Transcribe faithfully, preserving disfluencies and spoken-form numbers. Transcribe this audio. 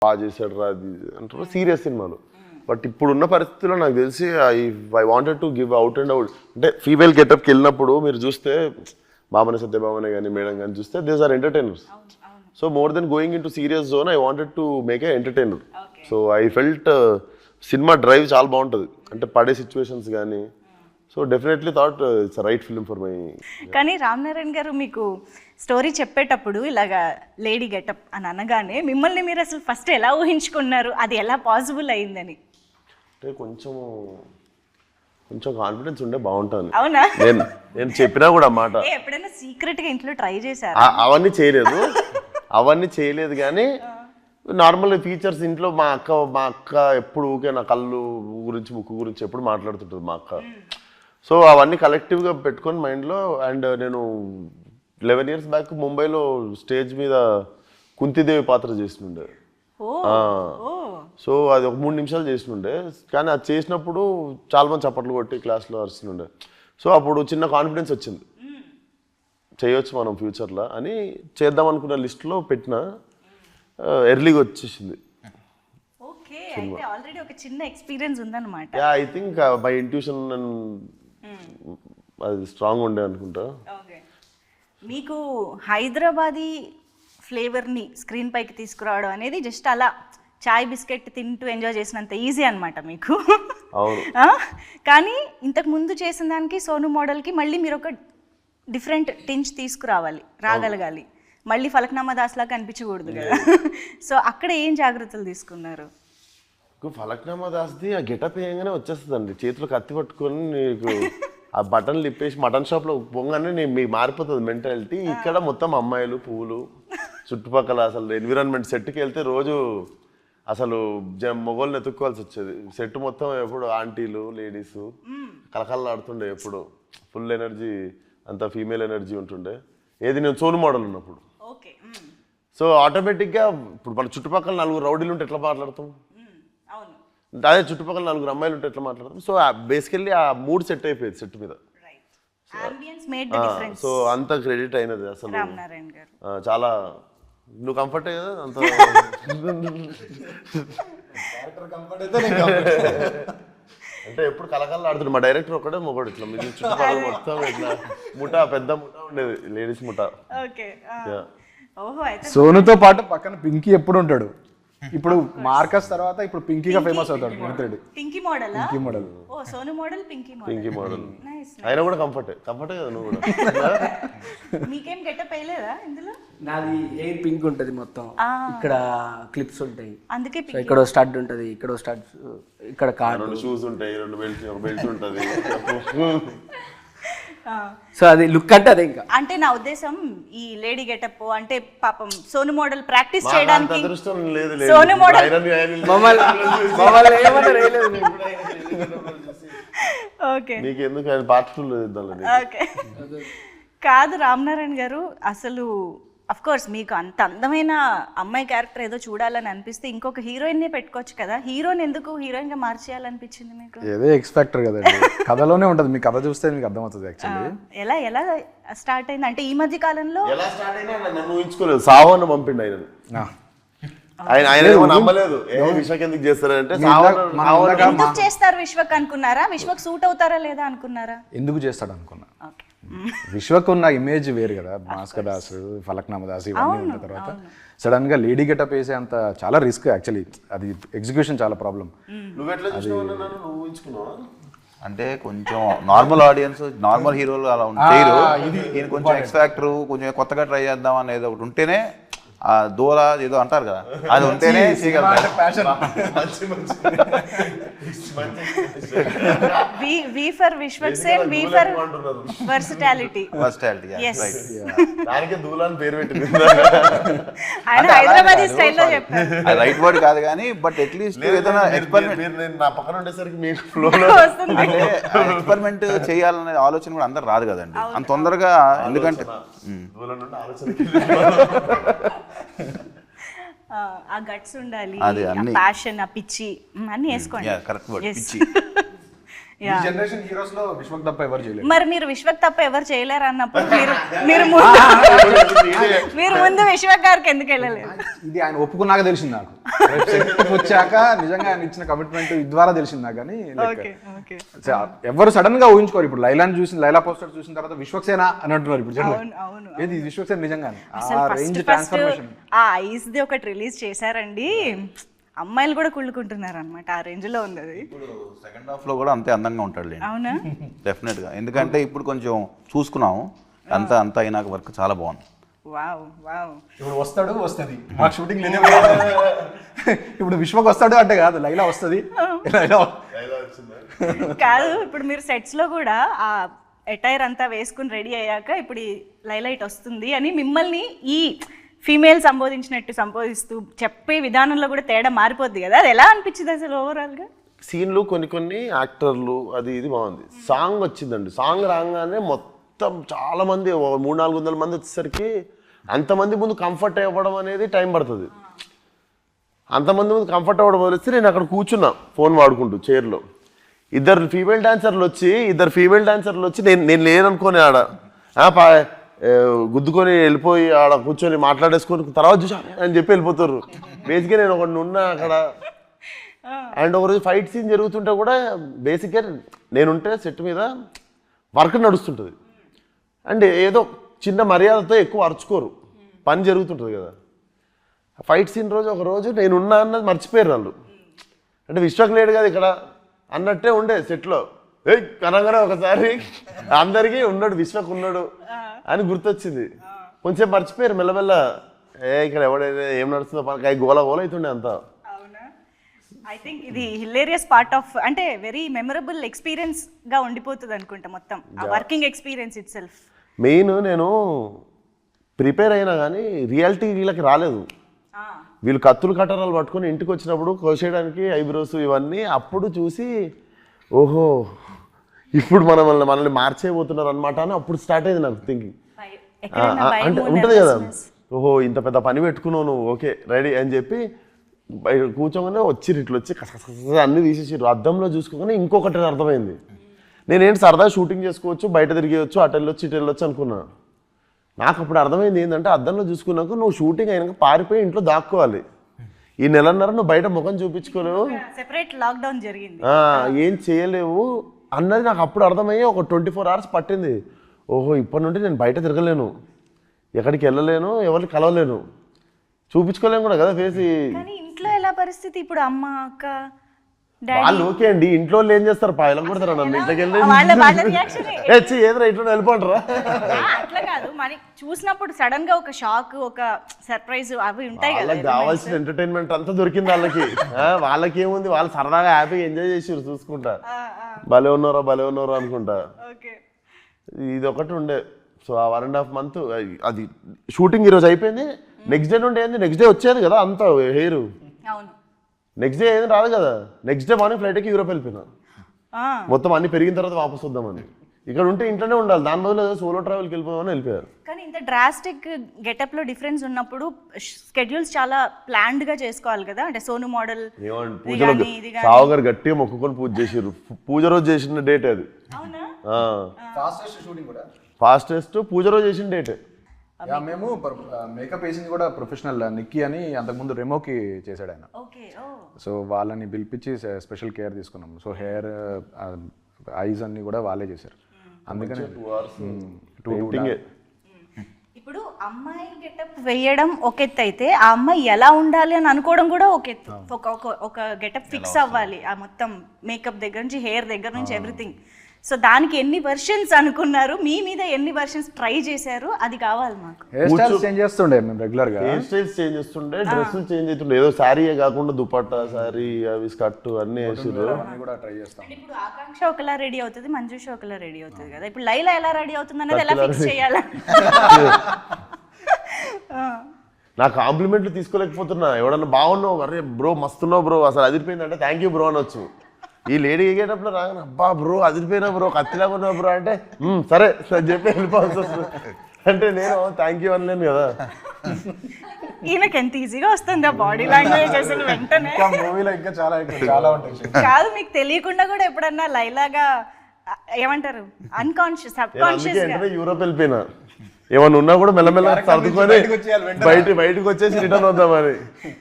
బాగా చేశాడు రా అది అంటారు సీరియస్ సినిమాలు. బట్ ఇప్పుడున్న పరిస్థితుల్లో నాకు తెలిసి I I wanted to give out and out. అంటే ఫీమేల్ గెటప్కి వెళ్ళినప్పుడు మీరు చూస్తే బాబనే సత్యభామనే కానీ మేడం కానీ చూస్తే these are entertainers. So more than going into serious zone I wanted to make a entertainer. So I felt cinema drive చాలా బాగుంటుంది అంటే పడే సిచ్యువేషన్స్ కానీ. So definitely thought it's right film for my. కానీ రామ్ నారాయణ గారు మీకు story చెప్పేటప్పుడు ఇలాగా లేడీ గెటప్ అని అనగానే మిమ్మల్ని మీరు అసలు ఫస్ట్ ఎలా ఊహించుకున్నారు, అది ఎలా పాసిబుల్ అయిందని? అంటే కొంచెం కొంచెం కాన్ఫిడెన్స్ ఉండే బాగుంటుంది. అవునా? నేను నేను చెప్పినా కూడా మాట ఎప్పుడైనా సీక్రెట్ గా ఇంట్లో ట్రై చేశారు? అవన్నీ చేయలేదు అవన్నీ చేయలేదు కానీ నార్మల్ ఫీచర్స్ ఇంట్లో మా అక్క మా అక్క ఎప్పుడు ఊకే నా కళ్ళు గురించి ముక్కు గురించి ఎప్పుడు మాట్లాడుతుంటుంది మా అక్క. సో అవన్నీ కలెక్టివ్గా పెట్టుకొని మైండ్లో. అండ్ నేను లెవెన్ ఇయర్స్ బ్యాక్ ముంబైలో స్టేజ్ మీద కుంతిదేవి పాత్ర చేస్తుండే. సో అది ఒక మూడు నిమిషాలు చేస్తుండే కానీ అది చేసినప్పుడు చాలా మంది చప్పట్లు కొట్టి క్లాస్లో అరుస్తుండే. సో అప్పుడు చిన్న కాన్ఫిడెన్స్ వచ్చింది చేయొచ్చు మనం ఫ్యూచర్లో అని. చేద్దాం అనుకున్న లిస్ట్లో పెట్టిన ఎర్లీగా వచ్చేసింది. ఐ థింక్ మై ఇంట్యూషన్ అది స్ట్రాంగ్ ఉండే అనుకుంటా. మీకు హైదరాబాదీ ఫ్లేవర్ని స్క్రీన్ పైకి తీసుకురావడం అనేది జస్ట్ అలా చాయ్ బిస్కెట్ తింటూ ఎంజాయ్ చేసినంత ఈజీ అనమాట మీకు. కానీ ఇంతకు ముందు చేసిన దానికి సోను మోడల్కి మళ్ళీ మీరు ఒక డిఫరెంట్ టించ్ తీసుకురావాలి, రాగలగాలి. మళ్ళీ ఫలక్నామా దాస్ లాగా కనిపించకూడదు కదా. సో అక్కడ ఏం జాగ్రత్తలు తీసుకున్నారు? ఫలక్నామా దాస్ది ఆ గెటప్ వేయగానే వచ్చేస్తుందండి. చేతిలో కత్తి పట్టుకొని నీకు ఆ బటన్లు ఇప్పేసి మటన్ షాప్లో పోగానే నేను మీకు మారిపోతుంది మెంటాలిటీ. ఇక్కడ మొత్తం అమ్మాయిలు పువ్వులు చుట్టుపక్కల అసలు ఎన్విరాన్మెంట్. సెట్కి వెళ్తే రోజు అసలు మొగోళ్ళని ఎత్తుక్కోవాల్సి వచ్చేది. సెట్ మొత్తం ఎప్పుడు ఆంటీలు లేడీస్ కలకల్లాడుతుండే, ఎప్పుడు ఫుల్ ఎనర్జీ, అంత ఫీమేల్ ఎనర్జీ ఉంటుండే. ఏది నేను సోను మోడల్ ఉన్నప్పుడు. సో ఆటోమేటిక్గా ఇప్పుడు మన చుట్టుపక్కల నలుగురు రౌడీలు ఉంటే ఎట్లా మాట్లాడతాం, అదే చుట్టుపక్కల నలుగురు అమ్మాయిలు ఉంటే ఎట్లా మాట్లాడతాం. సో బేసికల్లీ ఆ మూడ్ సెట్ అయిపోయింది సెట్ మీద. సో అంత క్రెడిట్ అయినది అసలు చాలా. నువ్వు కంఫర్ట్ కదా అంత అంటే ఎప్పుడు కలకల్లా ఆడుతుంది. మా డైరెక్టర్ ఒకటే మొగడు ఇట్లా మీ చుట్టుపక్కల మొత్తం ఇట్లా ముఠా పెద్ద ముఠా ఉండేది, లేడీస్ ముఠా. సోనుతో పాటు పక్కన పింకీ ఎప్పుడు ఉంటాడు. ఇప్పుడు మార్కస్ తర్వాత ఇప్పుడు పింకీగా ఫేమస్ అవుతాడు. పింకీ మోడల్ పింకీ మోడల్ ఓ Sonu model Pinky model Pinky model ఆయన కూడా కంఫర్ట్ కంఫర్ట్ కదా. నువ్వు కూడా మీకేం గెటప్ వేయలేదా ఇందులో? నాది ఎయిర్ పింక్ ఉంటది మొత్తం, ఇక్కడ క్లిప్స్ ఉంటాయి, అందుకే ఇక్కడ స్టడ్ ఉంటది, ఇక్కడ స్టడ్, ఇక్కడ కార్డ్, రెండు షూస్ ఉంటాయి, రెండు బెల్ట్స్, ఒక బెల్ట్ ఉంటది. సో అది లుక్ అంటే అదే. ఇంకా అంటే నా ఉద్దేశం ఈ లేడీ గెటప్ అంటే పాపం సోను మోడల్ ప్రాక్టీస్ చేయడానికి సోను మోడల్ ఓకే నీకెందుకు పార్ట్ టూ ఓకే కాదు రామ్ నారాయణ గారు. అసలు అఫ్ కోర్స్ మీకు అంత అందమైన అమ్మాయి క్యారెక్టర్ ఏదో చూడాలని అనిపిస్తే ఇంకొక హీరోయిన్నే పెట్టుకోవచ్చు కదా. హీరోయిన్ ఎందుకు హీరోయిన్ గా మార్చేయాలనిపించింది మీకు? ఏదో ఎక్స్పెక్టర్ కదండి, కథలోనే ఉంటుంది. మీ కథ చూస్తే మీకు అర్థమవుతుంది. యాక్చువల్లీ ఎలా ఎలా స్టార్ట్ అయింది అంటే ఈ మధ్య కాలంలో ఎలా స్టార్ట్ అయినా నన్ను ఊహించుకోలేదు. సావన్న పంపిండు ఆయన. ఆయన ఆయన నమ్మలేదు. విశ్వక్ ఎందుకు చేస్తారంటే ఎందుకు చేస్తారు విశ్వక్ అనుకున్నారా? విశ్వక్ సూట్ అవుతారా లేదా అనుకున్నారా? ఎందుకు చేస్తాడు అనుకున్నా. విశ్వక్ ఉన్న ఇమేజ్ వేరు కదా, భాస్కర్ దాస్, ఫలక్నామా దాస్ ఇవన్నీ ఉన్న తర్వాత సడన్ గా లేడీ గెటప్ వేసే అంత చాలా రిస్క్. యాక్చువల్లీ అది ఎగ్జిక్యూషన్ చాలా ప్రాబ్లం. అంటే కొంచెం నార్మల్ ఆడియన్స్ నార్మల్ హీరోలు అలా చేయరు. ఈయన కొంచెం ఎక్స్ ఫ్యాక్టర్, కొంచెం కొత్తగా ట్రై చేద్దాం అనేది ఒకటి ఉంటేనే, ఆ దూల ఏదో అంటారు కదా, అది ఉంటేనే చేయగలరు. V for Vishwak Sen, V for versatility. Versatility దానికి దూలాన్ పేరు పెట్టింది ఆయన హైదరాబాదీ స్టైల్లో చెప్పారు. అది రైట్ వర్డ్ కాదు కానీ బట్ అట్లీస్ట్ ఏదైనా ఎక్స్పెరిమెంట్ నా పక్కన ఉండేసరికి మీకు ఫ్లోలో అంటే ఎక్స్పెరిమెంట్ చేయాలనే ఆలోచన కూడా అందరు రాదు కదండి అంత తొందరగా. ఎందుకంటే ఆ గట్స్ ఉండాలి, ప్యాషన్, ఆ పిచ్చి అన్ని వేసుకోండి. ఈ జనరేషన్ హీరోస్ లో విశ్వక్ తప్ప ఎవరు చేయలేదు. మరి మీరు విశ్వక్ తప్ప ఎవరు చేయలేరు అన్నప్పుడు మీరు మీరు ముందు మీరు ముందు విశ్వక్ గారికి ఎందుకు వెళ్ళలేదు? ఇది ఆయన ఒప్పుకున్నాక తెలిసింది నాకు. వచ్చాక నిజంగా ఆయన ఇచ్చిన కమిట్మెంట్ ఇది ద్వారా తెలిసింది నాకు. కానీ ఎవరు సడన్ గా ఊహించుకోరు. ఇప్పుడు లైలాని చూసిన లైలా పోస్టర్ చూసిన తర్వాత విశ్వక్సేన అని అంటున్నారు ఇప్పుడు. ఏది విశ్వక్సేన నిజంగానే ఆ రేంజ్ ట్రాన్స్ఫర్మేషన్. ఆ ఐస్ ది ఒకటి రిలీజ్ చేశారండి, అమ్మాయిలు కూడా కుళ్ళుకుంటున్నారు అనమాట. ఆ రేంజ్ లో ఉంది అది. ఇప్పుడు సెకండ్ హాఫ్ లో కూడా అంతే అందంగా ఉంటాడు. అవునా? డెఫినెట్ గా. ఎందుకంటే ఇప్పుడు కొంచెం చూసుకున్నాము, అంతా అంతా అయినాక వర్క్ చాలా బాగుంది. Wow wow. ఇప్పుడు వస్తాడు వస్తుంది మాకు షూటింగ్ లేదే. ఇప్పుడు విశ్వక్ వస్తాడు అంటే కాదు, లైలా వస్తుంది. కాదు, ఇప్పుడు మీరు సెట్స్ లో కూడా ఆ ఎటైర్ అంతా వేసుకుని రెడీ అయ్యాక ఇప్పుడు ఈ లైలైట్ వస్తుంది అని మిమ్మల్ని ఈ ఫీమేల్ సంబోధించినట్టు సంబోధిస్తూ చెప్పే విధానంలో కూడా తేడా మారిపోద్ది కదా. అది ఎలా అనిపించింది అసలు ఓవరాల్ గా? సీన్లు కొన్ని కొన్ని యాక్టర్లు అది ఇది బాగుంది. సాంగ్ వచ్చిందండి, సాంగ్ రాగానే మొత్తం చాలా మంది మూడు నాలుగు వందల మంది వచ్చేసరికి అంతమంది ముందు కంఫర్ట్ అవ్వడం అనేది టైం పడుతుంది. అంతమంది ముందు కంఫర్ట్ అవ్వడం వదిలేస్తే నేను అక్కడ కూర్చున్నా ఫోన్ వాడుకుంటూ చైర్లో. ఇద్దరు ఫీమేల్ డాన్సర్లు వచ్చి ఇద్దరు ఫీమేల్ డాన్సర్లు వచ్చి నేను నేను లేననుకోని ఆడ గుద్దుకొని వెళ్ళిపోయి ఆడ కూర్చొని మాట్లాడేసుకొని తర్వాత చూసా అని చెప్పి వెళ్ళిపోతారు. బేసిక్గా నేను ఒకటి ఉన్నా అక్కడ. అండ్ ఒకరోజు ఫైట్ సీన్ జరుగుతుంటే కూడా బేసిక్గా నేనుంటే సెట్ మీద వర్క్ నడుస్తుంటుంది. అండ్ ఏదో చిన్న మర్యాదతో ఎక్కువ అరుచుకోరు, పని జరుగుతుంటుంది కదా. ఫైట్ సీన్ రోజు ఒక రోజు నేనున్నా అన్నది మర్చిపోయారు వాళ్ళు. అంటే విశ్వక్ లేడు కదా ఇక్కడ అన్నట్టే ఉండే సెట్లో. ఏ కనగానే ఒకసారి అందరికీ ఉన్నాడు విశ్వక్ ఉన్నాడు అని గుర్తొచ్చింది. కొంచెం మర్చిపోయారు మెల్లమెల్ల. ఏ ఇక్కడ ఎవడైతే ఏం నడుస్తుందో పని గోల గోల అవుతుండే అంతా. ఐ థింక్ ఇది హిలేరియస్ పార్ట్ ఆఫ్, అంటే వెరీ మెమరబుల్ ఎక్స్పీరియన్స్ గా ఉండిపోతుంది అనుకుంటా మొత్తం ఆ working experience itself. Main నేను ప్రిపేర్ అయినా కానీ రియాలిటీ వీళ్ళకి రాలేదు. వీళ్ళు కత్తులు కట్టరాలు పట్టుకొని ఇంటికి వచ్చినప్పుడు కోసేయడానికి ఐబ్రోస్ ఇవన్నీ అప్పుడు చూసి ఓహో ఇప్పుడు మన మనల్ని మనల్ని మార్చేయబోతున్నారు అనమాట అని అప్పుడు స్టార్ట్ అయింది నాకు థింకింగ్. అంటే ఉంటుంది కదా, ఓహో ఇంత పెద్ద పని పెట్టుకున్నావు నువ్వు, ఓకే రెడీ అని చెప్పి కూర్చోగానే వచ్చిర్రు ఇట్లా వచ్చి కస అన్నీ తీసేసిర్రు. అద్దంలో చూసుకోగానే ఇంకొకటి అర్థమైంది. నేనేంటి సరదా షూటింగ్ చేసుకోవచ్చు, బయట తిరిగేయచ్చు, అటు వెళ్ళొచ్చు ఇటు వెళ్ళొచ్చు అనుకున్నా. నాకు అప్పుడు అర్థమైంది ఏంటంటే అద్దంలో చూసుకున్నాక నువ్వు షూటింగ్ అయినాక పారిపోయి ఇంట్లో దాక్కోవాలి. ఈ నెలన్నర నువ్వు బయట ముఖం చూపించుకోలేవు, సెపరేట్ లాక్డౌన్ జరిగింది, ఏం చేయలేవు అన్నది నాకు అప్పుడు అర్థమయ్యి ఒక ట్వంటీ ఫోర్ అవర్స్ పట్టింది. ఓహో ఇప్పటి నుండి నేను బయట తిరగలేను, ఎక్కడికి వెళ్ళలేను, ఎవరిని కలవలేను, చూపించుకోలేను కూడా కదా ఫేస్. కానీ ఇంట్లో ఎలా పరిస్థితి ఇప్పుడు? అమ్మ అక్క వాళ్ళు ఓకే అండి, ఇంట్లో వాళ్ళు ఏం చేస్తారు పాయలం కొడతారు నన్ను ఇంట్లోకి వెళ్ళి ఏదో ఇంట్లో వెళ్ళిపోంటారా. అట్లా కాదు, మనకి చూసినప్పుడు సడన్ గా ఒక షాక్ ఒక సర్ప్రైజ్ అవి ఉంటాయి కదా. వాళ్ళకి కావాల్సిన ఎంటర్టైన్మెంట్ అంతా దొరికింది వాళ్ళకి. వాళ్ళకి ఏముంది, వాళ్ళు సరదాగా హ్యాపీగా ఎంజాయ్ చేసారు చూసుకుంటా. భలే ఉన్నారా భలే ఉన్నారా అనుకుంటా. ఇది ఒకటి ఉండే. సో ఆ వన్ అండ్ హాఫ్ మంత్ అది షూటింగ్ ఈరోజు అయిపోయింది. నెక్స్ట్ డే నుండి ఏంది, నెక్స్ట్ డే వచ్చేది కదా అంతా హెయిర్. నెక్స్ట్ డే ఏది రాదు కదా. నెక్స్ట్ డే మార్నింగ్ ఫ్లైట్కి యూరోప్ వెళ్ళిపోయినా. మొత్తం అన్ని పెరిగిన తర్వాత వాపస్ వద్దామని. ఇక్కడ ఉంటే ఇంట్లోనే ఉండాలి, దాని బదులు సోలో ట్రావెల్కి వెళ్ళిపోదామని వెళ్ళిపోయారు. కానీ ఇంత డ్రాస్టిక్ గెటప్ లో డిఫరెన్స్ ఉన్నప్పుడు స్కెడ్యూల్స్ చాలా ప్లాన్డ్ గా చేసుకోవాలి కదా. అంటే సోను మోడల్ పూజలో సావుగారు గట్టిగా మొక్కుకొని పూజ చేసారు. పూజ రోజు చేసిన డేట్ అది. ఫాస్టెస్ట్ పూజ రోజు చేసిన డేట్. మేము మేకప్ వేసింది కూడా ప్రొఫెషనల్ నిక్కీ అని అంతకుముందు రెమోకి చేశాడు ఆయన. సో వాళ్ళని పిలిపించి స్పెషల్ కేర్ తీసుకున్నాం. సో హెయిర్ ఐస్ అన్ని కూడా వాళ్ళే చేశారు. అందుకని ఇప్పుడు అమ్మాయి గెటప్ వేయడం ఒక ఎత్తు అయితే ఆ అమ్మాయి ఎలా ఉండాలి అని అనుకోవడం కూడా ఒక ఎత్తు. ఒక ఒక గెటప్ ఫిక్స్ అవ్వాలి, ఆ మొత్తం మేకప్ దగ్గర నుంచి హెయిర్ దగ్గర నుంచి ఎవ్రీథింగ్. సో దానికి ఎన్ని వర్షన్స్ అనుకున్నారు, మీ మీద ఎన్ని వర్షన్స్ ట్రై చేశారు, అది కావాలి మాకు. హెయిర్ స్టైల్స్ చేంజ్ చేస్తుండే మేము రెగ్యులర్ గా. హెయిర్ స్టైల్స్ చేంజ్ చేస్తుండే, డ్రెస్సులు చేంజ్ అవుతుండే. ఏదో శారీయే కాకుండా దుపట్టా, శారీ, అవి స్కర్ట్ అన్ని వేసారు. కూడా ట్రై చేస్తాం. ఇప్పుడు ఆకాంక్ష ఒకలా రెడీ అవుతుంది, మంజుష ఒకలా రెడీ అవుతుంది కదా. ఇప్పుడు లైలా ఎలా రెడీ అవుతుంది అనేది ఎలా ఫిక్స్ చేయాలి? నా కాంప్లిమెంట్లు తీసుకోలేకపోతున్నా. ఎవడన్నా బాగున్నావు, అరే బ్రో మస్తున్నావు బ్రో, అసలు అదిరిపోయిందంటే థ్యాంక్ యూ బ్రో అనొచ్చు. ఈ లేడీ ఎగేటప్పుడు రాగానే అబ్బా బ్రో అదిరిపోయినా బ్రో, కత్తిలాగా ఉన్నావు బ్రో అంటే సరే అని చెప్పి వెళ్ళిపోవాల్సి వస్తుంది. అంటే నేను థ్యాంక్ యూ అనలేను కదా. ఈయనకి ఎంత ఈజీగా వస్తుంది ఆ బాడీ లాంగ్వేజ్ అసలు వెంటనే. ఇంకా మూవీలో ఇంకా చాలా ఎక్కువ చాలా ఉంటాయి. కాదు మీకు తెలియకుండా కూడా ఎప్పుడన్నా లైలాగా ఆ, ఏమంటారు అన్కాన్షియస్ సబ్ నేను అందుకే కాన్షియస్ గా వెంటనే యూరోప్ వెళ్ళిపోయినా, ఏమన్నా ఉన్నా కూడా మెల్లమెల్ల సర్దుకొని బయటకు వచ్చేయాలి వెంటనే. బయట బయటకు వచ్చేసి రిటర్న్ వద్దామని.